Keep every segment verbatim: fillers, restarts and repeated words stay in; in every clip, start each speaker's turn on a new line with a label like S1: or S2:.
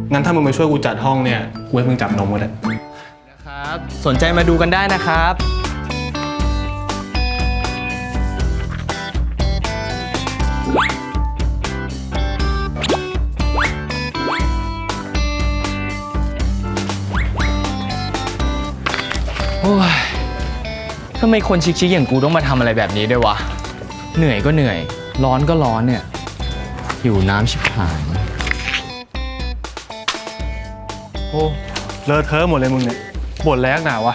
S1: งั้นถ้ามึงมาช่วยกูจัดห้องเนี่ยกูให้มึงจับนมก็ได้
S2: นะครับสนใจมาดูกันได้นะครับโอ้ยทำไมคนชิคๆอย่างกูต้องมาทำอะไรแบบนี้ด้วยวะเหนื่อยก็เหนื่อยร้อนก็ร้อนเนี่ยหิวน้ำชิบหาย
S1: โอ้เลอะเทอะหมดเลยมึงเนี่ยบ่นแรงหนาวะ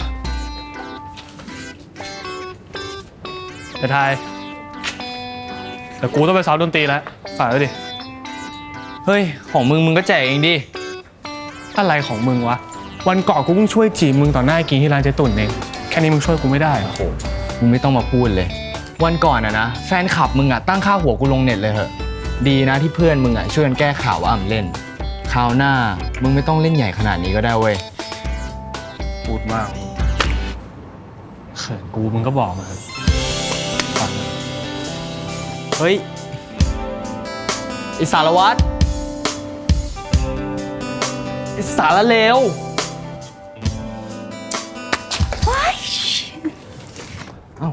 S1: ไอ้ทายแต่กูต้องไปซ้อมดนตรีแล้วฝากด้วยดิ
S2: เฮ้ยของมึงมึงก็แจกเองดิ
S1: อะไรของมึงวะวันก่อนกูเพิ่งช่วยจีบมึงต่อหน้ากินที่ร้านเจ๊ตุ่นเองแค่นี้มึงช่วยกูไม่ได้เหรอโอ้
S2: มึงไม่ต้องมาพูดเลยวันก่อนอะนะแฟนคลับมึงอะตั้งค่าหัวกูลงเน็ตเลยเหอะดีนะที่เพื่อนมึงอะช่วยกันแก้ข่าวว่าอ่ำเล่นคราวหน้ามึงไม่ต้องเล่นใหญ่ขนาดนี้ก็ได้เว้ย
S1: พูดมากเขินกูมึงก็บอกมาเถอะ
S2: เฮ้ยไอสารวัตรไอสารเลวเอ้า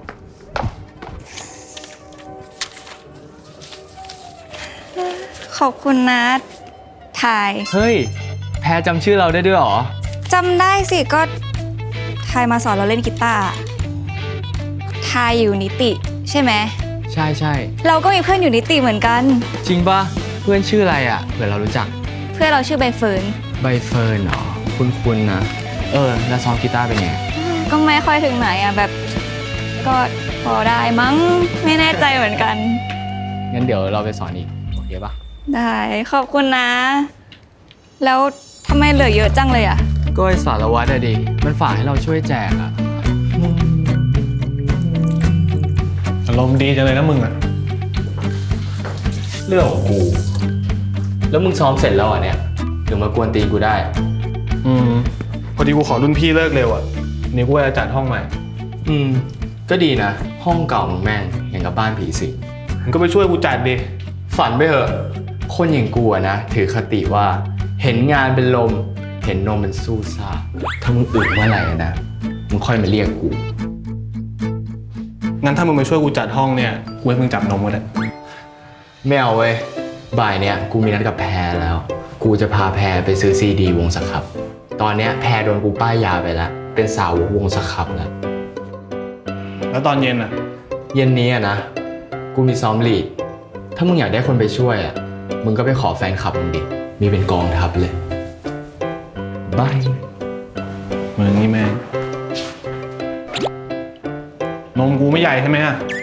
S3: ขอบคุณนะทาย
S2: เฮ้ยแพรจำชื่อเราได้ด้วยเหรอ
S3: จำได้สิก็ทายมาสอนเราเล่นกีตาร์ทายอยู่นิติใช่ไหม
S2: ใช่ใช่
S3: เราก็มีเพื่อนอยู่นิติเหมือนกัน
S2: จริงปะเพื่อนชื่ออะไรอ่ะเผื่อเรารู้จัก
S3: เพื่อนเราชื่อใบเฟิร์น
S2: ใบเฟิร์นเหรอคุ้นๆนะเออแล้วซ้อมกีตาร์เป็นไง
S3: ก็ไม่ค่อยถึงไหนอ่ะแบบก็พอได้มั้งไม่แน่ใจเหมือนกัน
S2: งั้นเดี๋ยวเราไปสอนอีกโอเคปะ
S3: ได้ขอบคุณนะแล้วทำไมเหลือเยอะจังเลยอ่ะ
S2: ก็ไอสารวัตรอะดิมันฝากให้เราช่วยแจกอะ
S1: อารมณ์ดีจังเลยนะมึงอะ
S2: เรื่องของกูแล้วมึงซ้อมเสร็จแล้วอ่ะเนี่ยถึงมากวนตีนกูได้
S1: อืมพอดีกูขอรุ่นพี่เลิกเร็วอ่ะนี่กูจะจัดห้องใหม่
S2: อืมก็ดีนะห้องเก่ามึงแม่งอย่างกับบ้านผีสิง
S1: มึงก็ไปช่วยกูจัดดิ
S2: ฝันไปเถอะคนอย่างกูอะนะถือคติว่าเห็นงานเป็นลมเห็นนมเป็นสู้ซ่าถ้ามึงอึเมื่อไหร่นะมึงค่อยมาเรียกกู
S1: งั้นถ้ามึงมาช่วยกูจัดห้องเนี่ยกูให้มึงจับนมก็ได้
S2: ไม่เอาเว้ยบ่ายเนี่ยกูมีนัดกับแพรแล้วกูจะพาแพรไปซื้อซีดีวงสครับตอนเนี้ยแพรโดนกูป้ายยาไปแล้วเป็นสาววงสครับแล้ว
S1: แล้วตอนเย็นอ่ะ
S2: เย็นนี้อะนะกูมีซ้อมลีดถ้ามึงอยากได้คนไปช่วยอ่ะมึงก็ไปขอแฟนคลับมึงดิมีเป็นกองทัพเลยบาย
S1: มึงนี่แม่งนมกูไม่ใหญ่ใช่ไหมอะ